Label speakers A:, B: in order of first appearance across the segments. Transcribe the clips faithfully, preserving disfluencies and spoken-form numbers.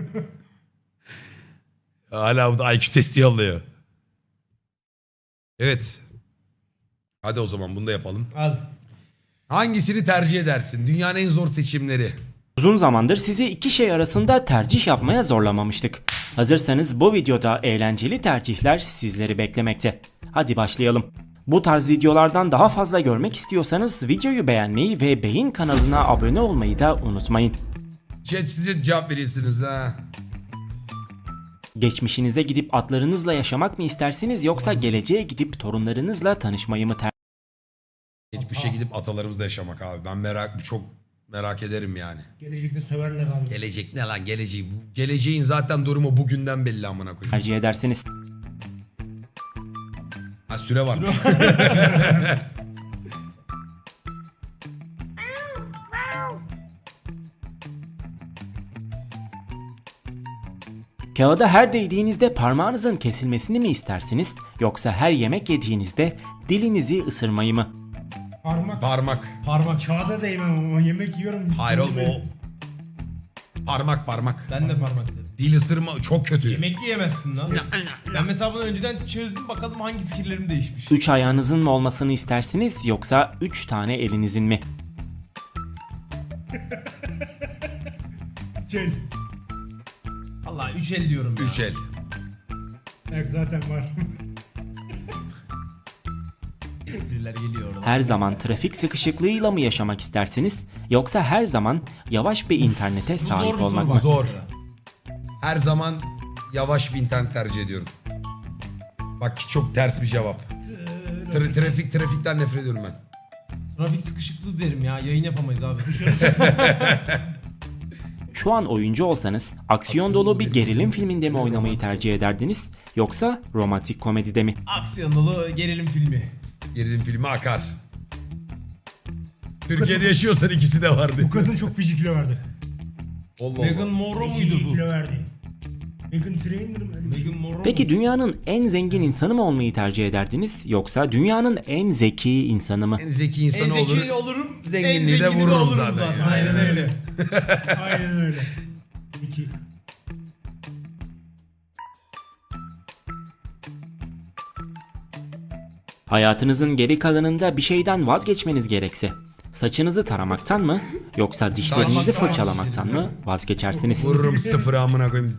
A: Hala bu da I Q testi yolluyor. Evet. Hadi o zaman bunu da yapalım.
B: Hadi.
A: Hangisini tercih edersin? Dünyanın en zor seçimleri.
C: Uzun zamandır sizi iki şey arasında tercih yapmaya zorlamamıştık. Hazırsanız bu videoda eğlenceli tercihler sizleri beklemekte. Hadi başlayalım. Bu tarz videolardan daha fazla görmek istiyorsanız videoyu beğenmeyi ve Beyin kanalına abone olmayı da unutmayın.
A: Chat size cevap veriyorsunuz ha.
C: Geçmişinize gidip atlarınızla yaşamak mı istersiniz yoksa geleceğe gidip torunlarınızla tanışmayı mı tercih
A: Geçmişe gidip atalarımızla yaşamak abi. Ben merak çok merak ederim yani.
B: Gelecekte söverler abi.
A: Gelecek ne lan geleceği? Bu- Geleceğin zaten durumu bugünden belli amına koyayım.
C: tercih edersiniz?
A: Ha süre var.
C: Kağıda her değdiğinizde parmağınızın kesilmesini mi istersiniz yoksa her yemek yediğinizde dilinizi ısırmayı mı?
B: Parmak.
A: Parmak.
B: Parmak. Kağıda değmem ama yemek yiyorum.
A: Hayır oğlum o. Parmak parmak.
D: Ben de parmak dedim.
A: Dil ısırma çok kötü.
D: Yemek yiyemezsin lan. Ben mesela bunu önceden çözdüm, bakalım hangi fikirlerim değişmiş.
C: Üç ayağınızın mı olmasını istersiniz yoksa üç tane elinizin mi?
B: Şey.
D: Allah üç el diyorum ya.
A: Üç el.
B: Yok zaten var.
D: Espriler geliyor oradan.
C: Her zaman trafik sıkışıklığıyla mı yaşamak istersiniz yoksa her zaman yavaş bir internete
D: Bu zor
C: sahip
D: bir soru
C: olmak mı?
D: bak
A: Zor.
D: mesela.
A: Her zaman yavaş bir internet tercih ediyorum. Bak çok ters bir cevap. Tra- trafik trafikten nefret ediyorum ben.
D: Trafik sıkışıklığı derim ya, yayın yapamayız abi.
C: Şu an oyuncu olsanız aksiyon dolu bir gerilim filminde mi oynamayı tercih ederdiniz yoksa romantik komedide mi?
D: Aksiyon dolu gerilim filmi.
A: Gerilim filmi akar. Türkiye'de yaşıyorsan ikisi de vardı.
B: Bu kadın çok feci kilo verdi.
A: Allah
D: Meghan
A: Allah.
D: Monroe
B: Feci
D: muydu bu?
B: kilo verdi. Meghan Trainor mu? Öyle bir şey.
D: Meghan Monroe
C: Peki
D: muydu?
C: dünyanın en zengin insanı mı olmayı tercih ederdiniz yoksa dünyanın en zeki insanı mı?
A: En zeki
D: En
A: insan olur.
D: zeki olurum,
A: zenginliği
D: en
A: de
D: zengini
A: vururum
D: olurum
A: zaten.
D: Aynen öyle.
B: Aynen öyle. İki.
C: Hayatınızın geri kalanında bir şeyden vazgeçmeniz gerekse saçınızı taramaktan mı yoksa dişlerinizi
A: Saç-
C: fırçalamaktan mı vazgeçersiniz?
A: Vururum sıfırı amına koyayım.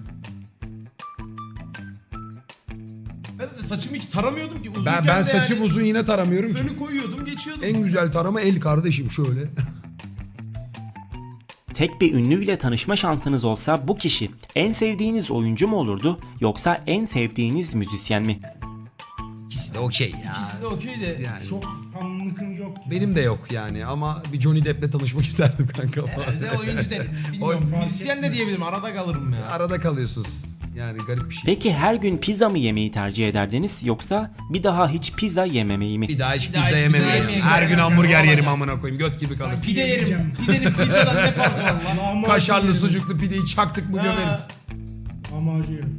D: Ben zaten saçımı hiç taramıyordum ki.
A: Ben,
D: Uzunken
A: ben
D: de
A: saçım
D: yani
A: uzun yine taramıyorum ki.
D: fönü koyuyordum, geçiyordum.
A: En güzel tarama el kardeşim şöyle.
C: Tek bir ünlüyle tanışma şansınız olsa bu kişi en sevdiğiniz oyuncu mu olurdu yoksa en sevdiğiniz müzisyen mi?
A: İkisi de okey ya.
D: İkisi de okey de.
A: Yani
B: Çok fanlıkım yok.
A: benim de yok yani ama bir Johnny Depp'le tanışmak isterdim kanka.
D: Herhalde oyuncu de bilmiyorum.
B: Oy-
D: Müzisyen de diyebilirim. Arada kalırım ya.
A: Arada kalıyorsunuz. Yani garip bir şey.
C: Peki her gün pizza mı yemeyi tercih ederdiniz yoksa bir daha hiç pizza yememeyi mi?
A: Bir daha hiç
D: Bir daha
A: pizza
D: hiç pizza
A: yemem.
D: yemeyeceğim.
A: Her gün
D: Yani
A: hamburger
D: olacak.
A: yerim amına koyayım. Göt gibi kalır.
D: Pide yerim.
B: Yiyeceğim.
D: Pidenin pizzadan ne farkı var lan?
B: Lahmacun
A: Kaşarlı
B: yerim.
A: sucuklu pideyi çaktık mı
D: Ha.
A: gömeriz.
B: Lahmacun yerim.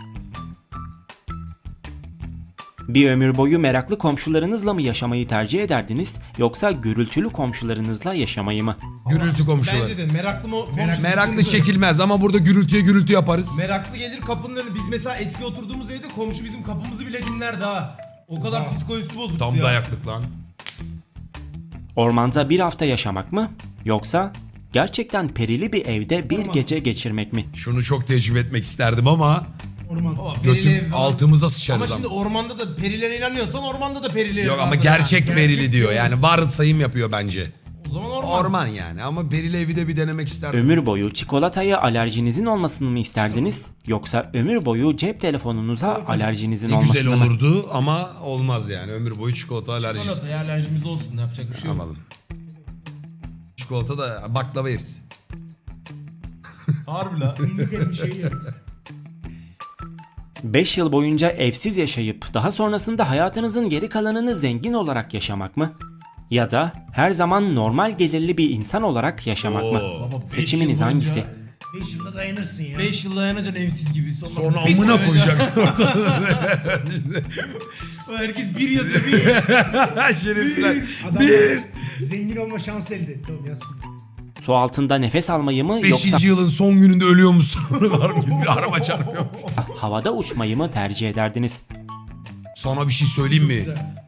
C: Bir ömür boyu meraklı komşularınızla mı yaşamayı tercih ederdiniz yoksa gürültülü komşularınızla yaşamayı mı?
A: Gürültü komşuları.
D: Bence de meraklı mı? komşusu
A: Meraklı
D: sıkıntı.
A: çekilmez ama burada gürültüye gürültü yaparız.
D: Meraklı gelir kapının önüne. Biz mesela eski oturduğumuz evde komşu bizim kapımızı bile dinlerdi ha. O kadar
B: Oha.
D: psikolojisi bozuktu
A: Tam
D: ya.
A: dayaklık lan.
C: Ormanda bir hafta yaşamak mı yoksa gerçekten perili bir evde bir
B: Orman.
C: gece geçirmek mi?
A: Şunu çok tecrübe etmek isterdim ama
B: Orman.
D: Baba, perili
A: götüm
D: ev falan.
A: altımıza
D: Ama
A: sıçarız
D: şimdi
A: ama.
D: ormanda da perilere inanıyorsan ormanda da perili ev
A: Yok ama
D: vardır
A: gerçek
D: ha.
A: verili diyor. Yani varsayım yapıyor bence.
D: O zaman orman.
A: Orman yani ama perili evi de bir denemek isterdim.
C: Ömür boyu çikolataya alerjinizin olmasını mı isterdiniz yoksa ömür boyu cep telefonunuza alerjinizin
A: Ne
C: olmasını
A: güzel
C: mı?
A: olurdu ama olmaz yani. Ömür boyu çikolata alerjisi.
D: Çikolataya alerjimiz olsun, yapacak bir şey yok.
A: Yapalım. Çikolata da baklava yeriz.
D: Harbi la.
B: Fındık ezmiş şey yerim.
C: beş yıl boyunca evsiz yaşayıp daha sonrasında hayatınızın geri kalanını zengin olarak yaşamak mı? Ya da her zaman normal gelirli bir insan olarak yaşamak mı?
A: Oo.
D: Baba, beş
C: Seçiminiz
D: yıl boyunca-
C: hangisi?
B: Beş yılda dayanırsın ya.
D: beş yıl dayanacaksın evsiz gibi. Sonra,
A: Sonra
D: bir
A: amına
D: koyacaksın.
A: koyacaksın ortada.
D: Herkes bir yazıyor bir.
A: Şerefsizler.
B: Adam zengin olma şansı elde etti oğlum yazsın.
C: Su altında nefes almayı mı
A: Beşinci
C: yoksa
A: yılın son gününde ölüyor musun? Var mı? Bir araba çarpıyor.
C: havada uçmayı mı tercih ederdiniz?
A: Sana bir şey söyleyeyim mi?
B: Güzel.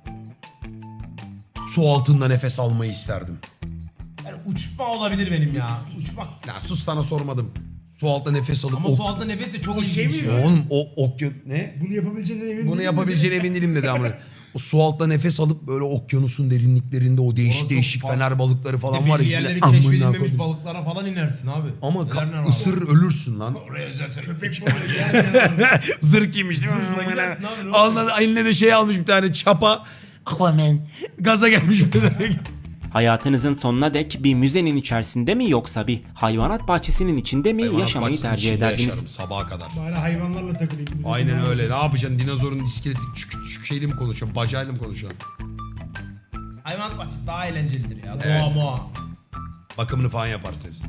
A: Su altında nefes almayı isterdim.
D: Yani uçma olabilir benim ya. Uçmak.
A: Ya sus, sana sormadım. Su altında nefes alıp...
D: Ama
A: ok-
D: su altında nefes de çok
B: O şey
D: ilginç
B: mi?
D: ya.
A: Oğlum o okyan... Ne?
B: Bunu yapabileceğinden emin
A: Bunu
B: değilim
A: yapabileceğine emin değilim dedi ama. O su altında nefes alıp böyle okyanusun derinliklerinde o değişik
D: Orası
A: değişik
D: çok
A: fener balıkları falan
D: Bir de
A: var ya.
D: belli yerleri
A: bile amına
D: keşfedilmemiş
A: koydum.
D: balıklara falan inersin abi.
A: Ama
D: Neler
A: ka-
D: neler var.
A: ısırır ölürsün lan.
D: Oraya özel sen-
B: Köpek balığı gelsin.
A: Zırh giymiş değil
D: Zırhla
A: mi?
D: gidersin abi, ne
A: Alnına, eline de şey almış bir tane çapa. Aquaman. Gaza gelmiş bir tane.
C: Hayatınızın sonuna dek bir müzenin içerisinde mi yoksa bir hayvanat bahçesinin içinde mi
A: Hayvanat
C: yaşamayı
A: bahçesinin
C: tercih
A: içinde
C: ederdiniz?
A: yaşarım sabaha kadar.
B: Bari hayvanlarla takılayım.
A: Aynen öyle. Ne yapacaksın? Dinozorun iskeleti küçük küçük şeyle mi konuşuyorsun? Bacayla mı konuşuyorsun?
D: Hayvanat bahçesi daha eğlencelidir ya.
A: Evet.
D: Doğa moğa.
A: Bakımını falan yaparsın hepsini.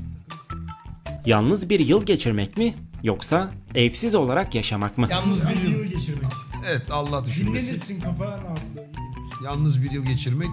C: Yalnız bir yıl geçirmek mi yoksa evsiz olarak yaşamak mı?
D: Yalnız bir
B: Bir
D: yıl.
B: yıl geçirmek.
A: Evet, Allah düşünmesin.
B: Dinlenirsin kafa rahatlığı.
A: Yalnız bir yıl geçirmek.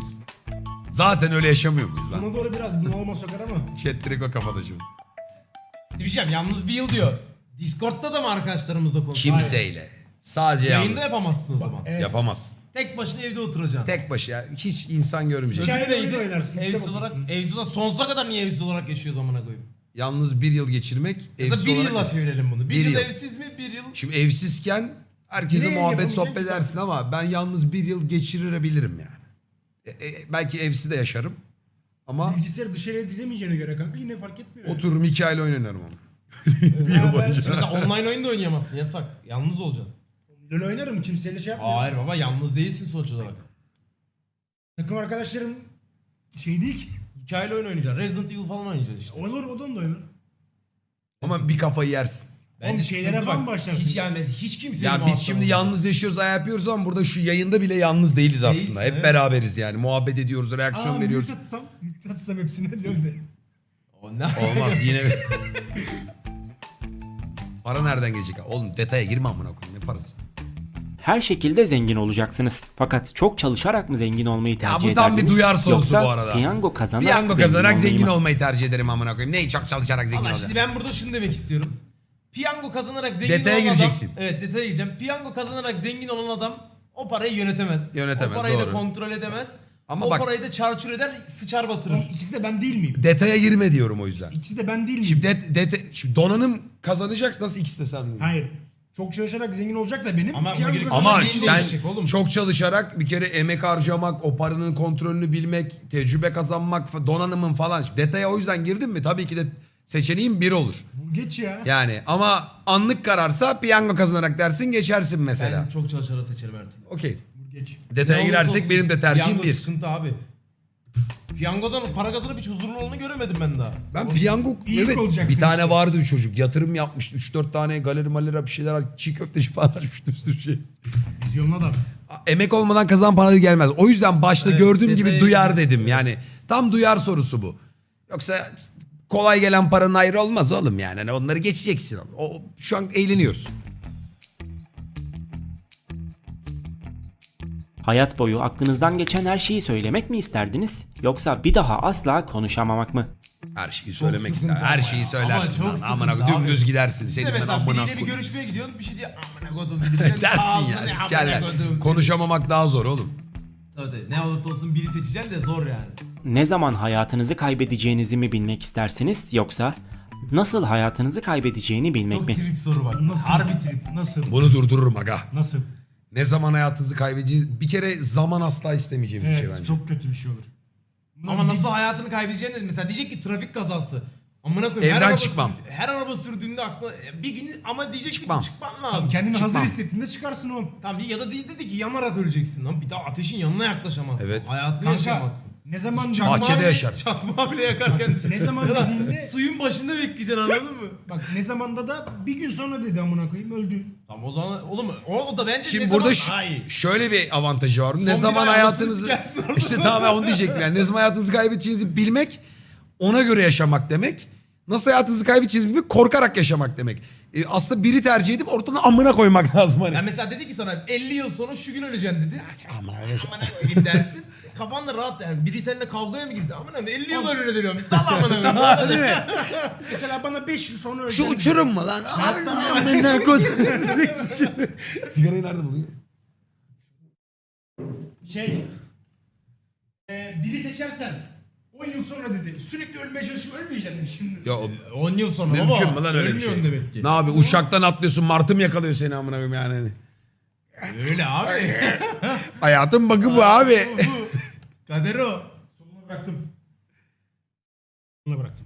A: Zaten öyle yaşamıyor muyuz lan?
B: Sana doğru biraz bunalma sokar ama.
A: Chat direkt o kafada şimdi.
D: Bir şey diyeceğim, yalnız bir yıl diyor. Discord'da da mı arkadaşlarımızla konuşuyorsun?
A: Kimseyle. Sadece
D: Yayında
A: yalnız.
D: yapamazsın o zaman.
B: Evet.
A: Yapamazsın.
D: Tek başına evde oturacaksın.
A: Tek başı ya. Hiç insan görmeyecek.
B: Hikaye-
D: Sözü neydi?
B: oyun oynarsın, kitap
D: Evsiz olarak,
B: okursun.
D: evsiz olarak sonsuza kadar niye evsiz olarak yaşıyoruz amına koyayım?
A: Yalnız bir yıl geçirmek.
D: Ya da
A: Evsiz
D: bir
A: olarak...
D: yılla çevirelim bunu. Bir,
A: Bir
D: yıl,
A: yıl.
D: evsiz mi? Bir yıl.
A: Şimdi evsizken herkese
B: Yine
A: muhabbet
B: yapabilecek
A: sohbet
B: bir
A: edersin ama ben yalnız bir yıl geçirebilirim yani. E, e, belki evsiz de yaşarım. Ama
B: Bilgisayarı dışarıya dizemeyeceğine göre kanka yine fark etmiyor. yani.
A: otururum hikayeyle oynarım ama.
B: Bir yıl boyunca.
D: Mesela online oyun da oynayamazsın, yasak. Yalnız olacaksın.
B: LoL oynarım kimseyle şey yapmıyorum.
D: Hayır baba, yalnız değilsin sonuç olarak.
B: Takım arkadaşlarım şey değil ki.
D: Hikayeli oyun oynayacaksın. Resident Evil falan oynayacaksın işte.
B: Olur o da onu da oynar.
A: Ama bir kafayı yersin.
B: Oğlum şeylere
D: sıkıntı
B: falan
D: bak,
B: başlarsın.
D: Hiç gelmez. Hiç kimse.
A: Ya biz şimdi yalnız yaşıyoruz, ay yapıyoruz ama burada şu yayında bile yalnız değiliz aslında.
D: Değilsin,
A: Hep
D: evet.
A: beraberiz yani. Muhabbet ediyoruz, reaksiyon
B: Aa,
A: veriyoruz.
B: mute atsam, mute atsam hepsine LoL'de.
D: O ne?
A: Olmaz yine. Para nereden gelecek? Oğlum detaya girme amına koyayım, ne parası?
C: Her şekilde zengin olacaksınız. Fakat çok çalışarak mı zengin olmayı tercih
A: bu tam bir
C: ederdiniz?
A: duyar sorusu
C: Yoksa
A: bu arada.
C: piyango kazanarak,
A: Piyango kazanarak
C: olmayı
A: zengin
C: mı?
A: olmayı tercih ederim amına koyayım. Neyi çok çalışarak zengin
D: Ama
A: olacağım?
D: şimdi ben burada şunu demek istiyorum. Piyango kazanarak zengin
A: Detaya
D: olan
A: gireceksin.
D: adam... Evet, detaya gireceğim. Piyango kazanarak zengin olan adam o parayı yönetemez.
A: Yönetemez,
D: O parayı
A: doğru.
D: da kontrol edemez.
A: Ama
D: o
A: bak-
D: parayı da çarçur eder, sıçar batırır.
B: Oğlum ikisi de ben değil miyim?
A: Detaya girme diyorum o yüzden.
B: İkisi de ben değil miyim?
A: Şimdi, det, det, şimdi donanım kazanacaksın, nasıl ikisi de sen değil mi?
B: Hayır. Çok çalışarak zengin olacak da benim.
D: Ama
B: piyango
D: buna gerek-
A: Ama
B: kazanacak
D: Zengin
A: sen
D: değişecek oğlum.
A: çok çalışarak bir kere emek harcamak, o paranın kontrolünü bilmek, tecrübe kazanmak, fa- donanımın falan. Şimdi detaya o yüzden girdin mi tabii ki de seçeneğin bir olur.
B: Bu geç ya.
A: Yani ama anlık kararsa piyango kazanarak dersin, geçersin mesela.
D: Ben çok çalışarak seçerim her türlü.
A: Okey.
B: Bu geç.
A: Detaya
D: Ne olursa
A: girersek
D: olsun,
A: benim de tercihim
D: piyango
A: bir.
D: sıkıntı abi. Piyangodan para kazanıp hiç huzurlu olduğunu göremedim ben daha.
A: Ben piyango
B: İyilik
A: evet
B: olacaksın
A: bir tane
B: işte.
A: vardı bir çocuk yatırım yapmıştı. üç dört tane galeri malera bir şeyler çiğ köfteci falan açmıştı bir sürü şey.
B: Vizyonlu adam.
A: Emek olmadan kazan paraları gelmez. O yüzden başta
D: Evet,
A: gördüğüm gibi
D: detaya
A: duyar
D: girmek
A: dedim.
D: öyle.
A: Yani tam duyar sorusu bu. Yoksa kolay gelen paranın ayrı olmaz oğlum yani. Hani onları geçeceksin. O, şu an eğleniyoruz.
C: Hayat boyu aklınızdan geçen her şeyi söylemek mi isterdiniz? Yoksa bir daha asla konuşamamak mı?
A: Her şeyi söylemek
D: sıkıntı
A: ister. Her
D: ama
A: şeyi
D: ya.
A: söylersin.
D: Ama çok
A: lan. Amına
D: sıkıntı
A: dümdüz
D: abi.
A: gidersin.
D: İşte
A: Senin ben
D: mesela
A: amına
D: biriyle bir
A: koyayım.
D: görüşmeye gidiyorsun, bir şey diyor amına kodum diyeceksin.
A: Dersin
D: Ağzını
A: ya
D: amına
A: sikerler.
D: kodum seni.
A: Konuşamamak daha zor oğlum.
D: Tabii tabii, ne olursa olsun biri seçeceksin de zor yani.
C: Ne zaman hayatınızı kaybedeceğinizi mi bilmek istersiniz yoksa nasıl hayatınızı kaybedeceğini bilmek
D: Çok
C: mi?
D: trip soru bak.
B: Nasıl?
D: Harbi trip.
B: Nasıl?
A: Bunu durdururum aga.
B: Nasıl?
A: Ne zaman hayatınızı kaybedeceğiniz... Bir kere zaman asla istemeyeceğim bir
B: Evet
A: şey bence.
B: çok kötü bir şey olur.
D: Ama nasıl hayatını kaybedeceğini de mesela diyecek ki trafik kazası. Amına koyayım.
A: Evden
D: her araba
A: çıkmam.
D: sür- her araba sürdüğünde aklına bir gün ama diyeceksin
A: Çıkmam.
D: ki çıkman lazım.
B: Kendini
A: Çıkmam.
B: hazır hissettiğinde çıkarsın oğlum.
D: Tamam ya da değil dedi ki yanarak öleceksin lan. Bir daha ateşin yanına yaklaşamazsın.
A: Evet.
D: Hayatını
B: Kanka
D: yaşayamazsın.
B: ne zaman
A: Çakmağı Bahçede
D: bile-
A: yaşar.
D: Çakmağı bile yakarken.
B: Ne zaman
D: Ya da
B: dediğinde-
D: suyun başında bekleyeceksin, anladın mı?
B: bak ne zamanda da bir gün sonra dedi amına koyayım öldü.
D: Tamam o zaman oğlum o, o da bence
A: Şimdi
D: ne
A: burada
D: zaman
A: şu-
D: daha iyi.
A: şöyle bir avantajı var. Ne
D: bir
A: zaman
D: ayağını
A: hayatınızı...
D: sikersin orada.
A: İşte tamam ben onu diyecektim yani. Ne zaman hayatınızı kaybedeceğinizi bilmek, ona göre yaşamak demek. Nasıl hayatınızı kaybedeceğinizi bilmek, korkarak yaşamak demek. E, aslında biri tercih edip ortadan amına koymak lazım hani.
D: Yani mesela dedi ki sana elli yıl sonra şu gün öleceksin dedi.
A: Amına yaşa-
D: Amına koyayım dersin. kafan da rahat yani. Biri seninle kavgaya mı girdi? Amına koyayım elli yıl önüne dönüyorum. Sal amına koyayım.
A: Değil mi?
B: Mesela bana beş yıl sonra
A: Şu
B: öleceğim.
A: uçurum mu lan? Amına koydum. Sigarayı nerede buluyor?
B: Şey. E, biri seçersen on yıl sonra dedi. Sürekli ölmeye çalışıp ölmeyeceksin şimdi.
A: Ya o-
D: on yıl sonra
A: mümkün
D: baba.
A: mü lan öyle bir şey?
D: Ölmüyorsun demek ki.
A: Ne abi uçaktan atlıyorsun martı mı yakalıyor seni amına koyayım yani?
D: Öyle abi.
A: Hayatın bakı bu abi.
D: Kader o.
B: Sonuna bıraktım. Sonuna bıraktım.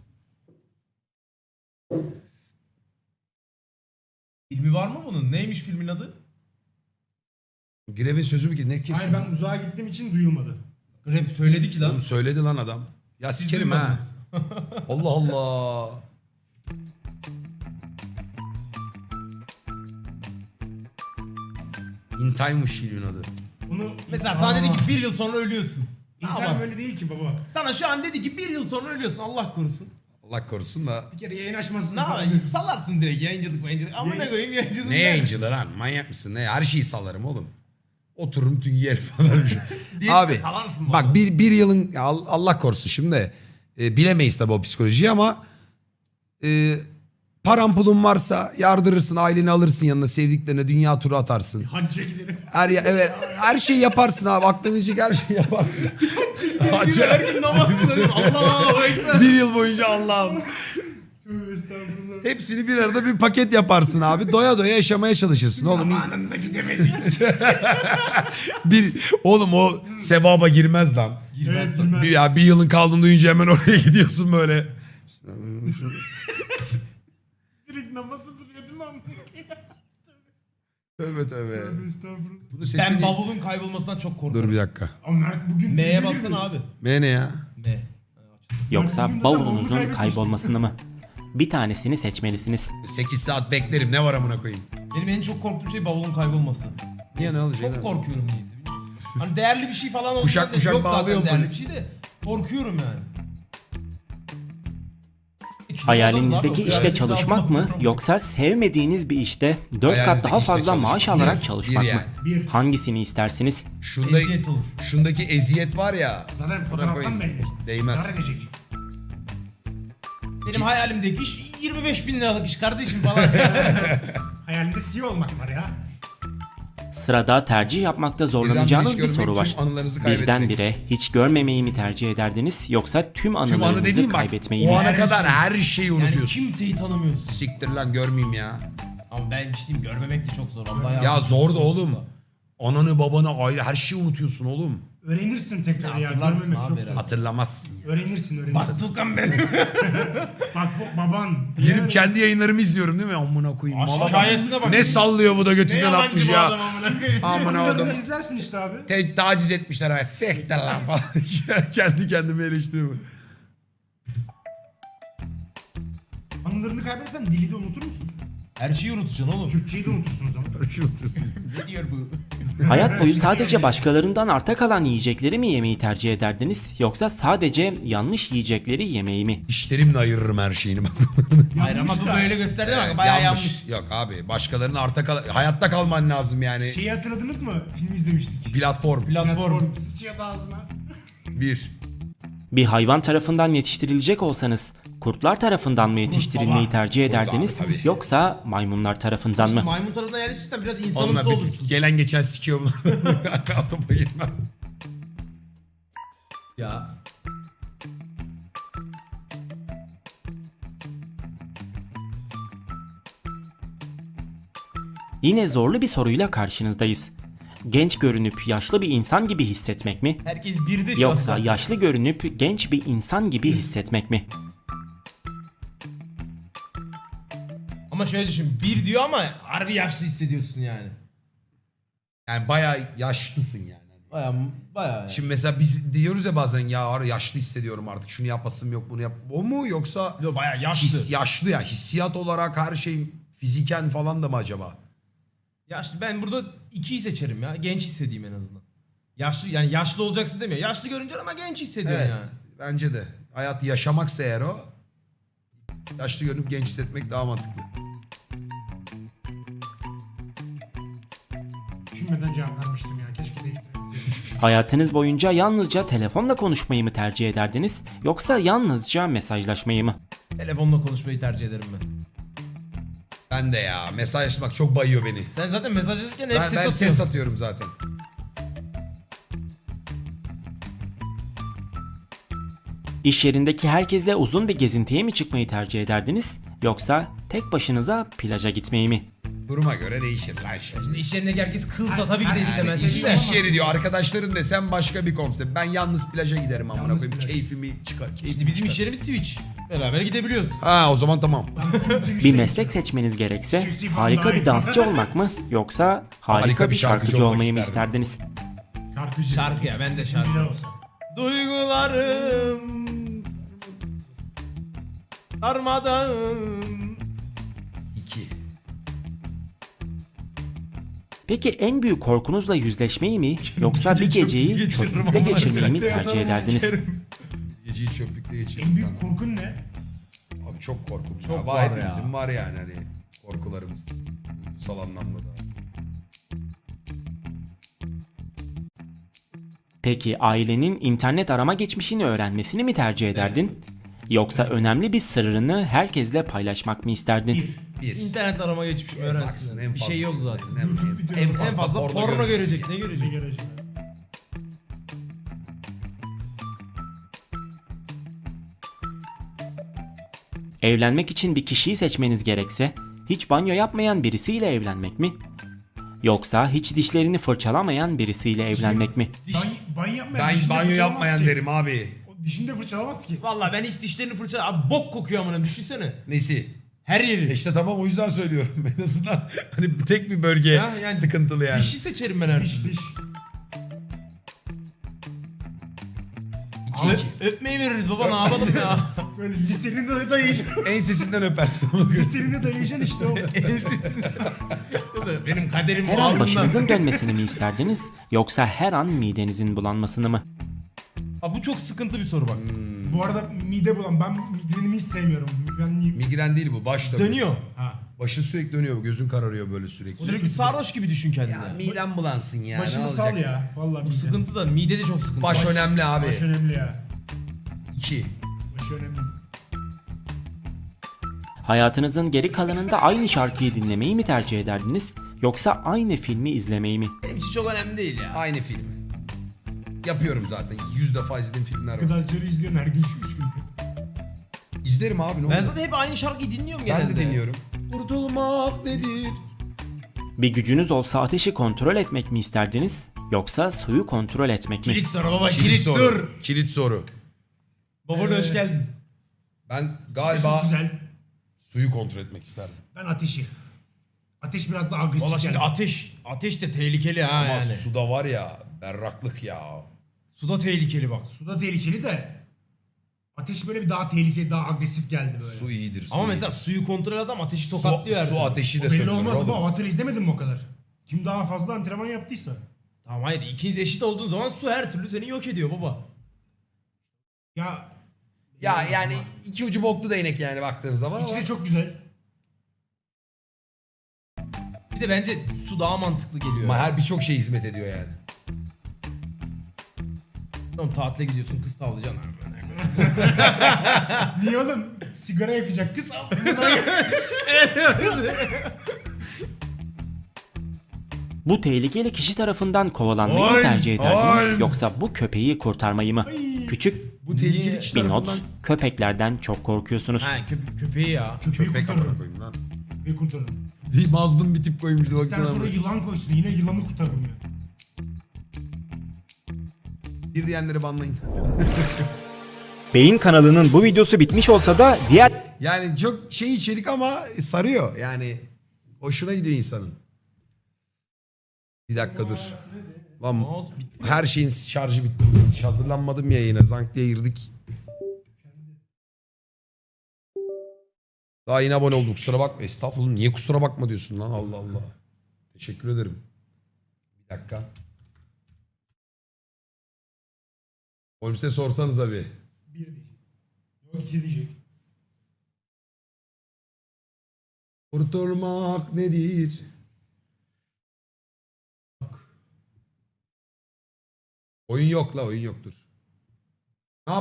D: Filmi var mı bunun? Neymiş filmin adı?
A: Grev'in sözü mü ki ne kesin?
B: Hayır ben uzağa gittiğim için duyulmadı.
D: Grab söyledi ki lan.
A: Oğlum söyledi lan adam. Ya
D: Siz
A: sikerim ha.
D: duymadınız.
A: Allah Allah. In Time'mış filmin adı.
B: Bunu
D: Mesela sana dedi ki bir yıl sonra ölüyorsun. Ne
B: İnternet
D: yaparsın?
B: öyle değil ki baba.
D: Sana şu an dedi ki bir yıl sonra ölüyorsun. Allah korusun.
A: Allah korusun da.
B: Bir kere yayın açmasın.
D: Ne yaparsın? Salarsın direkt yayıncılık mayıncılık. Amına
B: Yayın-
D: koyayım yayıncılık.
A: Ne
D: der.
A: yayıncılığı lan? Manyak mısın? Ne? Her şeyi salarım oğlum. Otururum tüm yer falan.
D: Diye
A: Abi
D: salarsın
A: bak
D: bana.
A: bir, bir yılın ya Al- Allah korusun şimdi e, bilemeyiz tabii o psikolojiyi ama e, paran pulun varsa yardırırsın aileni alırsın yanına sevdiklerine dünya turu atarsın.
B: Hacca gidelim.
A: Her ya, evet her şeyi yaparsın abi aklına gelecek her şeyi yaparsın.
D: Hacı her gün namaz kılıyorum. Allahu ekber.
A: Bir yıl boyunca Allah'ım.
B: Tövbe estağfurullah.
A: Hepsini bir arada bir paket yaparsın abi. Doya doya yaşamaya çalışırsın oğlum.
B: Zamanında gidemedik.
A: Bir oğlum o sevaba girmez lan.
B: Evet bilmem.
A: Bir, ya bir yılın kaldığını duyunca hemen oraya gidiyorsun böyle.
B: Direkt namazı duruyor değil mi?
A: Tövbe tövbe.
B: Tövbe estağfurullah.
A: Bunun
D: Ben
A: sesini...
D: bavulun kaybolmasından çok korkuyorum.
A: Dur bir dakika.
B: Ama Mert bugün...
D: M'ye
B: tribe
D: bassana
B: girdi.
D: abi.
A: M ne ya?
D: M.
C: Yoksa
B: bugün de
C: bavulunuzun
B: bavulu
C: kaybolmasını mı? Bir tanesini seçmelisiniz.
A: sekiz saat beklerim ne var amına koyayım.
D: Benim en çok korktuğum şey bavulun kaybolması.
A: Niye ne olacak?
D: Çok korkuyorum niyeyse. bilmiyorum. Hani değerli bir şey falan olsa
A: Kuşak
D: da
A: kuşak
D: yok
A: bağlıyorum
D: zaten değerli
A: böyle.
D: bir şey de korkuyorum yani.
C: Hayalinizdeki
D: Abi,
C: işte çalışmak mı
D: yok.
C: yoksa sevmediğiniz bir işte dört kat
A: Hayalinizdeki
C: daha
A: işte
C: fazla
A: çalışmak.
C: maaş alarak
A: Bir,
C: çalışmak
A: bir
C: mı?
A: yani.
B: Bir.
C: Hangisini istersiniz?
A: Şunda,
D: Eziyet olur.
A: şundaki eziyet var ya.
B: Zaten
A: Buna
B: fotoğraftan
A: koyayım.
B: belli.
A: Değmez.
B: Zarar edecek.
D: Benim hayalimdeki iş yirmi beş bin liralık iş kardeşim falan.
B: Hayalinde C E O olmak var ya.
C: Sırada tercih yapmakta
A: Birden
C: zorlanacağınız
A: hiç
C: bir
A: görmek,
C: soru var.
A: tüm anılarınızı kaybetmek.
C: Birdenbire hiç görmemeyi mi tercih ederdiniz yoksa tüm
A: Tüm anı
C: anılarınızı
A: dediğim bak
C: kaybetmeyi
A: o
C: mi?
A: ana
B: Her
A: kadar
B: şey.
A: her şeyi
D: yani
A: unutuyorsun.
D: kimseyi tanımıyorsun.
A: Siktir lan görmeyeyim ya.
D: Ama ben işte görmemek de çok zor. Allah
A: Ya
D: yardımcısı
A: zor da
D: olsun
A: oğlum. Ananı babanı aile her şeyi unutuyorsun oğlum.
B: Öğrenirsin tekrar
D: Ya
B: ya.
D: hatırlarsın
B: Görmemek
D: abi
B: çok
D: herhalde.
B: zor.
A: Hatırlamazsın.
B: Öğrenirsin öğrenirsin.
D: Bak Tukan benim.
B: Bak bu baban.
A: Girip kendi yayınlarımı izliyorum değil mi? Amına koyayım.
D: Aşk
A: Mala-
D: hikayesine bak.
A: Ne sallıyor bu da
D: Ne
A: götünden
D: yalancı
A: atmış
D: bu
A: ya.
D: adam amına koyayım.
A: Amına
B: Videolarını
A: oğlum.
B: izlersin işte abi.
A: Te taciz etmişler ama sektir lan falan. Kendi kendime eleştiriyorum.
B: Anılarını kaybedersen dili de unutur musun?
D: Her şeyi unutacaksın oğlum.
B: Türkçeyi de unutursun o zaman.
D: Ne diyor bu?
C: Hayat boyu sadece başkalarından arta kalan yiyecekleri mi yemeyi tercih ederdiniz yoksa sadece yanlış yiyecekleri yemeyi mi?
A: İşlerimle ayırırım her şeyini bak.
D: Hayır ama bu böyle gösterdi bak bayağı yanlış.
A: Yok abi başkalarının arta kal hayatta kalman lazım yani.
B: Şeyi hatırladınız mı? Film izlemiştik.
A: Platform.
D: Platform.
B: Sıçıyordu ağzına.
A: Bir.
C: Bir hayvan tarafından yetiştirilecek olsanız kurtlar tarafından mı yetiştirilmeyi
B: baba.
C: tercih
A: Kurt abi,
C: ederdiniz
A: tabii.
C: yoksa maymunlar tarafından mı?
D: Maymun tarafından yerleşirsen biraz
A: Onunla
D: insanımsı
A: bir
D: olursun.
A: gelen geçen sikiyor bunlar. Topa girmem.
D: Ya.
C: Yine zorlu bir soruyla karşınızdayız. Genç görünüp yaşlı bir insan gibi hissetmek mi?
D: Herkes birde şu
C: Yoksa
D: an.
C: yaşlı görünüp genç bir insan gibi hissetmek mi?
D: Ama şöyle düşün. Bir diyor ama harbi yaşlı hissediyorsun yani.
A: Yani bayağı yaşlısın yani.
D: Baya baya yani.
A: Şimdi mesela biz diyoruz ya bazen ya ara yaşlı hissediyorum artık şunu yapasım yok bunu yap. O mu yoksa
D: Yo, baya yaşlı.
A: his, yaşlı ya hissiyat olarak her şey fiziken falan da mı acaba?
D: Yaşlı. Ben burada ikiyi seçerim ya. Genç hissedeyim en azından. Yaşlı yani yaşlı olacaksın demiyor. Yaşlı görünce ama genç hissediyorsun
A: Evet
D: yani.
A: bence de. Hayatı yaşamaksa eğer o yaşlı görünüp genç hissetmek daha mantıklı.
B: Düşünmeden cevap vermiştim ya. Keşke değiştirebilseydim.
C: Hayatınız boyunca yalnızca telefonla konuşmayı mı tercih ederdiniz yoksa yalnızca mesajlaşmayı mı?
D: Telefonla konuşmayı tercih ederim ben.
A: Ben de ya mesajlaşmak çok bayıyor beni.
D: Sen zaten mesajlaşırken hep
A: Ben,
D: ses
A: ben
D: atıyorsun.
A: ses atıyorum zaten.
C: İş yerindeki herkesle uzun bir gezintiye mi çıkmayı tercih ederdiniz yoksa tek başınıza plaja gitmeyi mi?
A: Duruma göre değişir lan şey.
D: Şimdi iş yerindeki herkes kılsa tabii ki de istemez.
A: İş,
D: de.
A: iş yeri diyor arkadaşların desem başka bir konsept. Ben yalnız plaja giderim amına
B: Yalnız
A: koyayım.
B: plaj.
A: Keyfimi çıkar. Keyfimi
D: İşte bizim
A: çıkar.
D: iş yerimiz Twitch. Beraber gidebiliyoruz.
A: Ha o zaman tamam.
C: Bir meslek seçmeniz gerekse harika bir dansçı olmak mı yoksa harika bir şarkıcı olmayı mı isterdiniz?
B: Şarkıcı.
D: Şarkı ya, ben de
B: Sesin
D: şarkı.
B: güzel olsa.
D: Duygularım darmadağın.
A: İki.
C: Peki en büyük korkunuzla yüzleşmeyi mi yoksa bir geceyi
D: geçiririm
C: çöplükte
D: ama.
C: geçirmeyi mi
D: Çöplükte
C: tercih
D: yatarım,
C: ederdiniz?
D: sikerim.
A: Geceyi çöplükte geçiririz.
B: En büyük
A: lan.
B: korkun ne?
A: Abi çok korkunç.
D: Çok
A: ya.
D: var ya.
A: Hepimizin var yani hani korkularımız. Duygusal anlamda da.
C: Peki ailenin internet arama geçmişini öğrenmesini mi tercih ederdin? Yoksa önemli bir sırrını herkesle paylaşmak mı isterdin?
B: Bir.
A: Bir.
D: İnternet arama geçmiş
A: En baksın,
D: öğrensin.
A: en
D: Bir
A: fazla-
D: şey yok zaten.
A: En,
B: YouTube
A: en,
B: videoları
A: en
D: En
A: fazla,
D: fazla porno
A: görürüz.
D: görecek. Ne
B: Bir
D: görecek?
B: garajı.
C: Evlenmek için bir kişiyi seçmeniz gerekse hiç banyo yapmayan birisiyle evlenmek mi? Yoksa hiç dişlerini fırçalamayan birisiyle evlenmek mi?
B: Diş, banyo yapmayan
A: Ben
B: dişini
A: banyo
B: fırçalamaz
A: yapmayan
B: ki.
A: derim abi.
B: O dişini de fırçalamaz ki.
D: Vallahi ben hiç dişlerini fırça... Abi bok kokuyor amına, düşünsene.
A: Nesi?
D: Her yeri.
A: İşte tamam o yüzden söylüyorum. En azından hani tek bir bölge
D: Ha, yani
A: sıkıntılı yani.
D: Dişi seçerim ben her
B: Diş
D: türlü.
B: diş.
D: Ö- öpmeyi veririz baba, ne yapalım ya.
B: Böyle lisenin de dayayacaksın.
A: Ensesinden öper.
B: Lisenin de dayayacaksın işte o.
D: Ensesinde. Benim kaderim
C: Her
D: bu
C: an
D: alnımda.
C: başınızın dönmesini mi isterdiniz yoksa her an midenizin bulanmasını mı?
D: Abi bu çok sıkıntı bir soru bak.
B: Bu arada mide bulan. Ben migrenimi hiç sevmiyorum. Migrenliyim.
A: Migren değil bu baş dönmesi.
D: Dönüyor.
B: Ha.
A: Başın sürekli dönüyor. Gözün kararıyor böyle sürekli.
D: Sürekli sarhoş gibi düşün kendini.
A: Ya midem bulansın ya.
B: Başını
A: ne
B: sal
A: olacak?
B: ya. Vallahi
D: Bu
B: mide.
D: sıkıntı da mide de çok sıkıntı.
A: Baş önemli abi.
B: Baş önemli ya.
A: İki.
B: Baş önemli.
C: Hayatınızın geri kalanında aynı şarkıyı dinlemeyi mi tercih ederdiniz yoksa aynı filmi izlemeyi mi?
D: Benim için çok önemli değil ya.
A: Aynı film. Yapıyorum zaten. Yüz defa izlediğim filmler var.
B: Gıdalcıları izliyorsun her gün üç gün.
A: İzlerim abi ne
D: Ben
A: olur.
D: zaten hep aynı şarkıyı dinliyorum
A: Ben
D: genelde.
A: de dinliyorum. Kurtulmak nedir?
C: Bir gücünüz olsa ateşi kontrol etmek mi isterdiniz yoksa suyu kontrol etmek mi?
D: Kilit soru baba,
A: Kilit,
D: kilit,
A: soru.
D: dur.
A: Kilit soru.
D: Baba da hoş
B: Ee,
D: geldin.
A: Ben
B: Çok
A: galiba
B: güzel.
A: suyu kontrol etmek isterdim.
B: Ben ateşi. Ateş biraz daha agresif
D: Valla şimdi
B: geldi.
D: ateş, ateş de tehlikeli ha
A: Ama
D: yani.
A: suda var ya berraklık ya.
D: Suda tehlikeli bak.
B: Suda tehlikeli de ateş böyle bir daha tehlikeli, daha agresif geldi böyle.
A: Su iyidir. Su
D: Ama
A: iyidir.
D: mesela suyu kontrol adam ateşi
A: su,
D: tokatlıyor her
A: su
D: türlü.
A: ateşi de
B: O belli
A: söndürür
B: olmaz
A: oğlum.
B: ama Avatar'ı izlemedin mi o kadar? Kim daha fazla antrenman yaptıysa.
D: Tamam hayır, ikiniz eşit olduğun zaman su her türlü seni yok ediyor baba.
B: Ya
A: Ya yani iki ucu boklu değnek yani baktığın zaman.
B: İkisi
A: ama-
B: de çok güzel.
D: Bir de bence su daha mantıklı geliyor.
A: Ama
D: ya.
A: her birçok şey hizmet ediyor yani.
D: Tamam, tatile gidiyorsun, kız tavlayacaksın.
B: Niye oğlum? Sigara yakacak kız.
C: Bu tehlikeli kişi tarafından kovalanmayı mı
A: Holmes,
C: tercih ederdiniz
A: Holmes.
C: yoksa bu köpeği kurtarmayı mı? Küçük
A: Bu tehlikeli kişi
C: bir not,
A: tarafından
C: köpeklerden çok korkuyorsunuz.
D: Ha köp- köpeği ya.
B: Köpeği
A: köpek amına
B: kurtarırım.
A: koyayım lan.
B: Köpeği kurtarırım.
A: Mazlum bir tip koymuş. bir
B: İster
A: baktığın
B: sonra
A: zaman.
B: yılan koysun. Yine yılanı kurtarırım ya.
A: Bir diyenleri banlayın.
C: Beyin kanalının bu videosu bitmiş olsa da diğer
A: Yani çok şey içerik ama sarıyor. Yani hoşuna gidiyor insanın. Bir dakika dur. Lan
D: Mouse bitti.
A: her şeyin şarjı bitti. bugün. Hiç hazırlanmadım yayına. Zank diye girdik. Daha yeni abone olduk. Kusura bakma. Estağfurullah. Niye kusura bakma diyorsun lan? Allah Allah. Teşekkür ederim. Bir dakika. Holmes'e sorsanız abi.
B: Bir diyecek. Yok iki diyecek.
A: Kurtulmak nedir? Oyun yok la oyun yoktur.